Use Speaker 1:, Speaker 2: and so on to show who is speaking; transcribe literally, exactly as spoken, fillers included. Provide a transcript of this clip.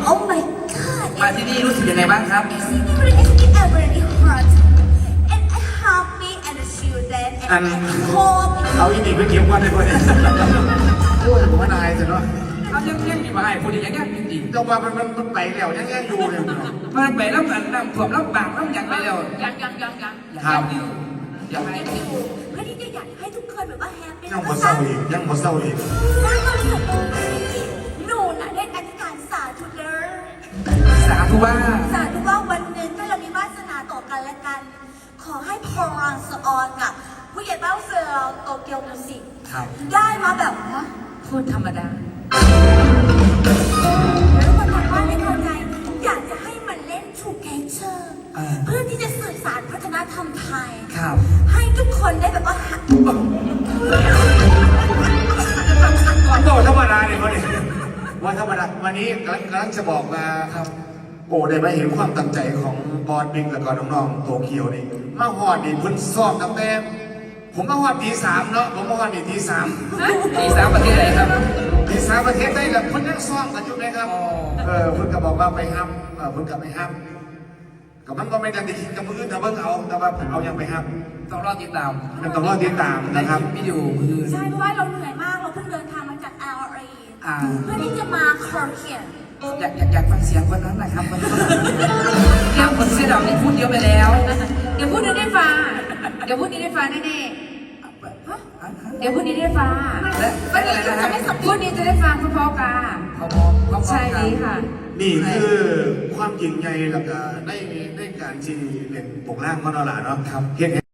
Speaker 1: Oh my god
Speaker 2: มาที่นี่รู้สึกยังไงบ้างครับ
Speaker 1: It's really really hot and I happy and children and I hope
Speaker 3: เอาอีนี่ไปเก็บวันเลยคนนี้โอ้ยผมว่านายสิเนาะ
Speaker 2: เอายังยังมีมาให้พูดอย่างยังจริง
Speaker 3: จังหวะมันมันไปแล้วยังยังอยู่เลย
Speaker 2: ๆมาไปแล้วกันน้ำท่วมแล้วบางแล้วยังไปแล้ว
Speaker 1: ยังยังยังยัง
Speaker 2: ครับอยากให้
Speaker 1: เพื่อที่จะอยากให้ทุกคนแบบว่าแฮปปี้
Speaker 3: ยังหมดเศร้าอีกยังหมดเศร้าอีก
Speaker 1: สร้างความสุขหนูน่ะได้อธิษฐานสาธุเลย
Speaker 2: สาธุว่า
Speaker 1: สาธุว่าวันหนึ่งถ้าเรามีวาสนาต่อกันและกัน ขอให้พรางสออนกับผู้ใหญ่บ้านเฟลโตเกียวมิวสิก
Speaker 2: ครับ
Speaker 1: ได้มาแบบว่า
Speaker 2: พูดธรรมดา
Speaker 1: ทุกคนบอกว่าไม่เข้าใจอยากจะให้มันเล่นชูแคเชอร์เพื่อที่จะสื่อสารวัฒนธรรมไทย
Speaker 2: ครับ
Speaker 1: ให้ทุกคนได้แบบว่า
Speaker 3: โตธรรมดาเลยคนนี้ว่าธรรมดาวันนี้กำลังกำลังจะบอกมาครับโอ้ได้มาเห็นความตั้งใจของบอสบิ๊กและก็น้องๆโตเกียวนี่มาหอดนี่พุ่นซ้อมตั้งแต่ผมมาหอดตีสามเนาะผมมาหอดนี่ตีสาม
Speaker 2: ที่สามประเทศไหนครับ
Speaker 3: ตีสามประเทศได้แบบพุ่นนั่งซ้อมกันอยู่ไหมครับเออพุ่นก็บอกว่าไปห้ามเออพุ่นก็ไปห้ามกับมันก็ไม่ได้คิดกับมืออื่นแต่เพิ่งเอาแต่ว่าเอายังไปห้าม
Speaker 2: ต้องรอติดตาม
Speaker 3: มันต้องรอติดตามนะครับ
Speaker 2: วิดีโอมือ
Speaker 1: ใช่เพราะว่าเราเหนื่อยมากเราเพิ่งเดินทางมาจาก แอล เอ
Speaker 2: อ่า
Speaker 1: เพื่อที่จะมาคอร์เคียน
Speaker 2: อยากอยากอยากฟังเสียงคนนั้นนะครับคนนั้นเรื่องคนเสื้อดำนี่พูดเยอะไปแล้ว
Speaker 4: เดี๋ยวพูดนี้ได้ฟ้าเดี๋ยวพูดนี้ได้ฟ้าแน่ๆเดี๋ยวพูดนี้ได้ฟ้า
Speaker 2: และและอะไรนะฮะ
Speaker 4: พูดนี้จะได้ฟังเพราะๆกัน
Speaker 2: เขาบอกเขาบอก
Speaker 4: ใช่นี้ค่ะ
Speaker 3: นี่คือความยิ่งใหญ่แล้วก็ในในการที่เป็นปกล่างมโนราเนาะครับเห็น